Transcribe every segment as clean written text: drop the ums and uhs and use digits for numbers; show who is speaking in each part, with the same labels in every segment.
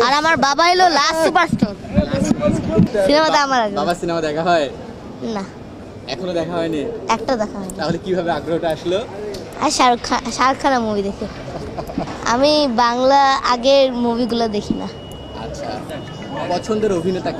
Speaker 1: আর আমার বাবা হলো লাস্ট সুপারস্টার। সিনেমাতে আমার আগ্রহ।
Speaker 2: বাবা সিনেমা দেখা হয়
Speaker 1: না,
Speaker 2: এখনো দেখা হয়নি।
Speaker 1: একটা দেখা হয়নি।
Speaker 2: তাহলে কিভাবে আগ্রহটা আসলো?
Speaker 1: আর শাহরুখ খানের মুভি দেখে। আমি বাংলা আগের মুভিগুলো দেখি না।
Speaker 2: আচ্ছা, পছন্দের অভিনেতাকে?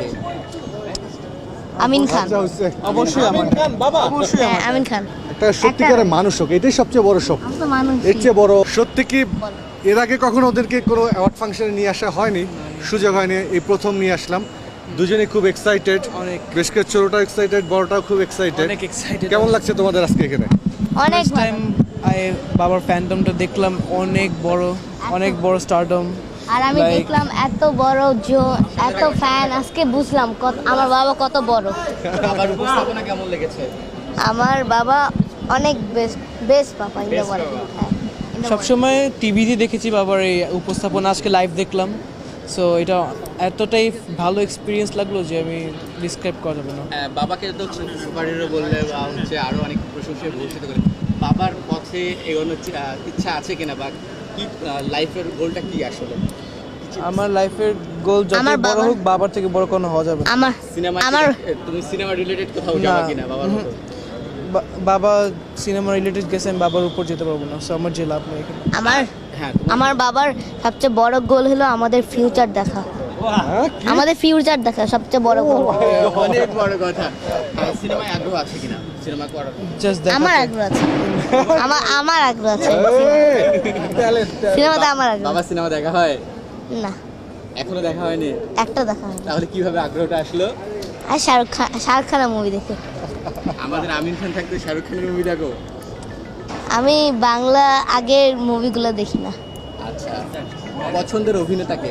Speaker 1: আমিন খান।
Speaker 3: অবশ্যই আমিন খান বাবা, অবশ্যই
Speaker 1: হ্যাঁ, আমিন খান।
Speaker 3: একটা সত্যিকারের মানুষ হোক, এটাই সবচেয়ে বড় স্বপ্ন।
Speaker 1: আমি তো মানুষ।
Speaker 3: এর চেয়ে বড় সত্যি কি এর আগে কখনো ওদেরকে কোনো অ্যাওয়ার্ড ফাংশনে নিয়ে আসা হয়নি, সুযোগ হয়নি, এই প্রথম নিয়ে আসলাম। দুজনেই খুব এক্সাইটেড,
Speaker 4: অনেক।
Speaker 3: বেশ করে ছোটটাও এক্সাইটেড, বড়টাও খুব এক্সাইটেড।
Speaker 4: অনেক excited।
Speaker 3: কেমন লাগছে তোমাদের আজকে এখানে?
Speaker 1: অনেক
Speaker 4: ফার্স্ট টাইম বাবার ফ্যান্ডমটা দেখলাম, অনেক বড় স্টারডম।
Speaker 1: আর আমি
Speaker 4: Like-
Speaker 1: দেখলাম এত বড় এত ফ্যান, আজকে বুঝলাম আমার বাবা কত বড়।
Speaker 2: বাবার উপস্থাপনা কেমন লেগেছে?
Speaker 1: আমার বাবা অনেক বেস্ট বাবা ইন দ্য
Speaker 2: Best
Speaker 1: ওয়ার্ল্ড।
Speaker 2: বাবা।
Speaker 4: সবসময় টিভিতে দেখেছি বাবার এই উপস্থাপনা, আজকে লাইভ দেখলাম। সো এটা এতটাই ভালো এক্সপিরিয়েন্স লাগলো যে আমি ডিসক্রাইব করা যাবে না।
Speaker 2: বাবাকে তো সুপার হিরো বললে বা হচ্ছে আরো অনেক প্রশংসায় ভূষিত করে, বাবার পথে এগোনোর ইচ্ছা আছে কিনা, বা কি লাইফের গোলটা কি আসলে?
Speaker 4: আমার লাইফের গোল যত
Speaker 1: আমার
Speaker 4: বড়
Speaker 1: বাবার-
Speaker 4: হোক, বাবার থেকে বড় কোনো হওয়া যাবে না।
Speaker 1: আমার
Speaker 2: সিনেমা
Speaker 1: আমার
Speaker 2: তুমি সিনেমা রিলেটেড কোথাও যাবে
Speaker 4: না।
Speaker 2: কিনা বাবার মতো?
Speaker 4: বাবা সিনেমা রিলেটেড গেছে, আমি বাবার উপর যেতে পারবো না। সো আমার যে লাভ নেই এখানে।
Speaker 1: আমার
Speaker 2: হ্যাঁ,
Speaker 1: আমার বাবার সবচেয়ে বড় গোল হলো আমাদের ফিউচার দেখা।
Speaker 3: হ্যাঁ, কি?
Speaker 1: আমাদের ফিউচার দেখা সবচেয়ে বড় গোল।
Speaker 2: অনেক বড় কথা। সিনেমায় আগ্রহ আছে কিনা, সিনেমা করার?
Speaker 4: জাস্ট
Speaker 1: আমার আগ্রহ আছে। আমার আগ্রহ আছে। সিনেমাতে আমার আগ্রহ।
Speaker 2: বাবা সিনেমা দেখা হয়
Speaker 1: না,
Speaker 2: এখনো দেখা হয়নি।
Speaker 1: একটা দেখা হয়নি।
Speaker 2: তাহলে কিভাবে আগ্রহটা আসলো?
Speaker 1: আর শাহরুখ খানের মুভি দেখে।
Speaker 2: আমাদের আমিন খান থাকতে শাহরুখ খানের মুভি দেখো?
Speaker 1: আমি বাংলা আগের মুভিগুলো দেখি না।
Speaker 2: আচ্ছা, পছন্দের অভিনেতাকে?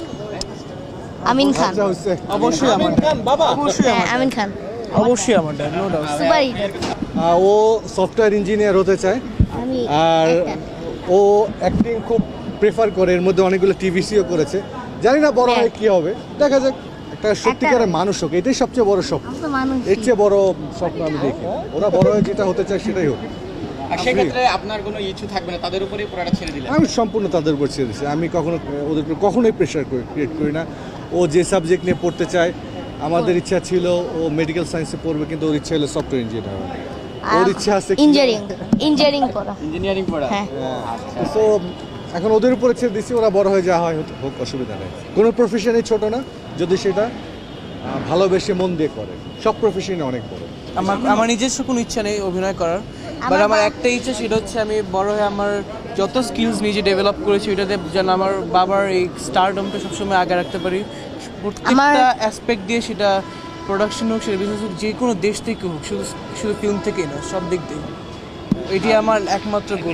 Speaker 1: আমিন খান।
Speaker 3: আচ্ছা, হচ্ছে।
Speaker 4: অবশ্যই আমার
Speaker 3: খান বাবা,
Speaker 1: হ্যাঁ, আমিন খান।
Speaker 4: অবশ্যই আমার dad, no doubt.
Speaker 1: Super hero.
Speaker 3: ও সফটওয়্যার ইঞ্জিনিয়ার হতে চায়,
Speaker 1: আমি
Speaker 3: আর
Speaker 1: একটা।
Speaker 3: ও অ্যাক্টিং খুব প্রেফার করে। এর মধ্যে অনেকগুলো টিভিসিও করেছে, জানি না বড় হয় কি হবে, দেখা যাক। একটা সত্যিকারের মানুষ হোক, এটাই সবচেয়ে বড় স্বপ্ন।
Speaker 1: আমি তো মানুষ।
Speaker 3: এর চেয়ে বড় স্বপ্ন আমি দেখি না। ওরা বড় হয়ে যেটা হতে চায় সেটাই হোক।
Speaker 2: আর সেক্ষেত্রে আপনার কোনো ইচ্ছু থাকবে না, তাদের উপরেই পুরোটা ছেড়ে দিলেন?
Speaker 3: আমি সম্পূর্ণ তাদের উপর ছেড়ে দিচ্ছি। আমি কখনো ওদের উপর কখনোই প্রেশার ক্রিয়েট করি না। ও যে সাবজেক্ট নিয়ে পড়তে চায়, আমাদের ইচ্ছা ছিল ও মেডিকেল সায়েন্সে পড়বে, কিন্তু ওর ইচ্ছা হলো সফটওয়্যার ইঞ্জিনিয়ার হওয়া। ওর ইচ্ছা আছে
Speaker 1: ইঞ্জিনিয়ারিং করা।
Speaker 2: ইঞ্জিনিয়ারিং পড়া?
Speaker 1: হ্যাঁ।
Speaker 3: সো এখন ওদের উপরে ছেড়ে দিচ্ছি, ওরা বড় হয়ে যাওয়া হয় হোক, অসুবিধা নেই। কোনো প্রফেশনই ছোট না যদি সেটা ভালোবেসে মন দিয়ে করে। সব প্রফেশনই অনেক বড়।
Speaker 4: আমার নিজস্ব কোনো ইচ্ছা নেই অভিনয় করার, বাট আমার একটা ইচ্ছা, সেটা হচ্ছে আমি বড় হয়ে আমার যত স্কিলস নিজে ডেভেলপ করেছি ওইটাতে যেন আমার বাবার এই স্টারডমটা সবসময় আগে রাখতে পারি। প্রত্যেকটা অ্যাসপেক্ট দিয়ে, সেটা প্রোডাকশন হোক, সেটা বিজনেস হোক, যে কোনো দেশ থেকে হোক, শুধু শুধু ফিল্ম থেকেই না, সব দিক দিয়ে। এটি আমার একমাত্র গোল।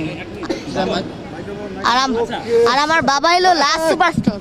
Speaker 1: আর আমার বাবা হলো লাস্ট সুপারস্টার।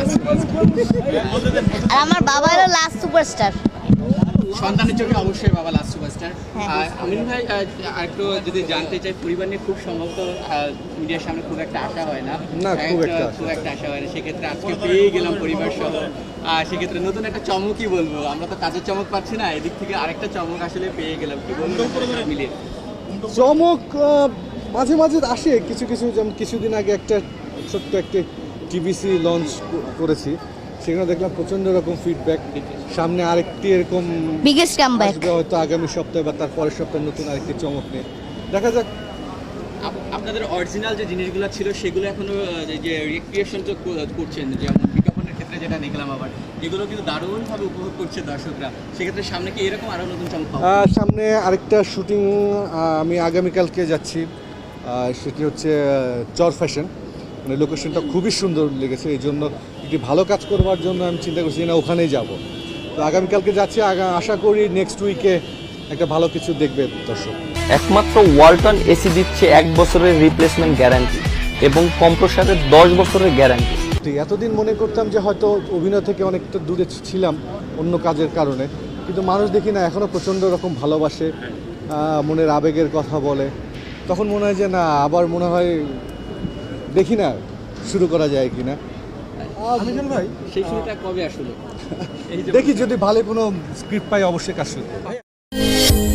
Speaker 1: আর আমার বাবা হলো লাস্ট সুপারস্টার।
Speaker 2: সন্তানের চোখে অবশ্যই বাবা লাস্ট সুপারস্টার।
Speaker 1: হ্যাঁ।
Speaker 2: আমিন ভাই, আরেকটু যদি জানতে চাই, পরিবার নিয়ে খুব সম্ভবত মিডিয়ার সামনে খুব একটা আশা হয় না।
Speaker 3: না, খুব একটা
Speaker 2: আশা হয় না। সেক্ষেত্রে আজকে পেয়ে গেলাম পরিবার সহ। সেক্ষেত্রে নতুন একটা চমকই বলবো, আমরা তো কাজের চমক পাচ্ছি না, এদিক থেকে আরেকটা চমক আসলে পেয়ে গেলাম। কি বলবো মিলিয়ে?
Speaker 3: চমক মাঝে মাঝে আসে কিছু কিছু, যেমন কিছুদিন আগে একটা ছোট্ট একটা টিভিসি লঞ্চ করেছি, সেখানে দেখলাম প্রচণ্ড রকম ফিডব্যাক। সামনে আরেকটি এরকম
Speaker 1: বিগেস্ট কামব্যাক।
Speaker 3: আসবে হয়তো আগামী সপ্তাহে বা তার পরের সপ্তাহে, নতুন আরেকটি চমক নিয়ে। দেখা যাক।
Speaker 2: আপনাদের অরিজিনাল যে জিনিসগুলো ছিল সেগুলো এখনো যে রিক্রিয়েশন তো করছেন, যেমন বিজ্ঞাপনের ক্ষেত্রে যেটা দেখলাম, আবার এগুলো কিন্তু দারুণভাবে উপভোগ করছে দর্শকরা। সেক্ষেত্রে সামনে কি এরকম আরও নতুন চমক পাবো?
Speaker 3: সামনে আরেকটা শুটিং আমি আগামীকালকে যাচ্ছি, সেটি হচ্ছে চর ফ্যাশন। মানে লোকেশনটা খুবই সুন্দর লেগেছে, এই জন্য একটি ভালো কাজ করবার জন্য আমি চিন্তা করছি না ওখানেই যাব। তো আগামীকালকে যাচ্ছি, আশা করি নেক্সট উইকে একটা ভালো কিছু দেখবে দর্শক।
Speaker 5: একমাত্র ওয়ালটন এসি দিচ্ছে 1 বছরের রিপ্লেসমেন্ট গ্যারান্টি এবং কম্প্রেসারের 10 বছরের গ্যারান্টি।
Speaker 3: এতদিন মনে করতাম যে হয়তো অভিনয় থেকে অনেকটা দূরে ছিলাম অন্য কাজের কারণে, কিন্তু মানুষ দেখি না এখনও প্রচণ্ড রকম ভালোবাসে, মনের আবেগের কথা বলে। তখন মনে হয় যে না, আবার মনে হয় দেখি না শুরু করা যায় কি না। ভাই
Speaker 2: সেই শুরুটা কবে আসলে?
Speaker 3: দেখি যদি ভালো কোনো স্ক্রিপ্ট পাই অবশ্যই কাজ শুরু করব।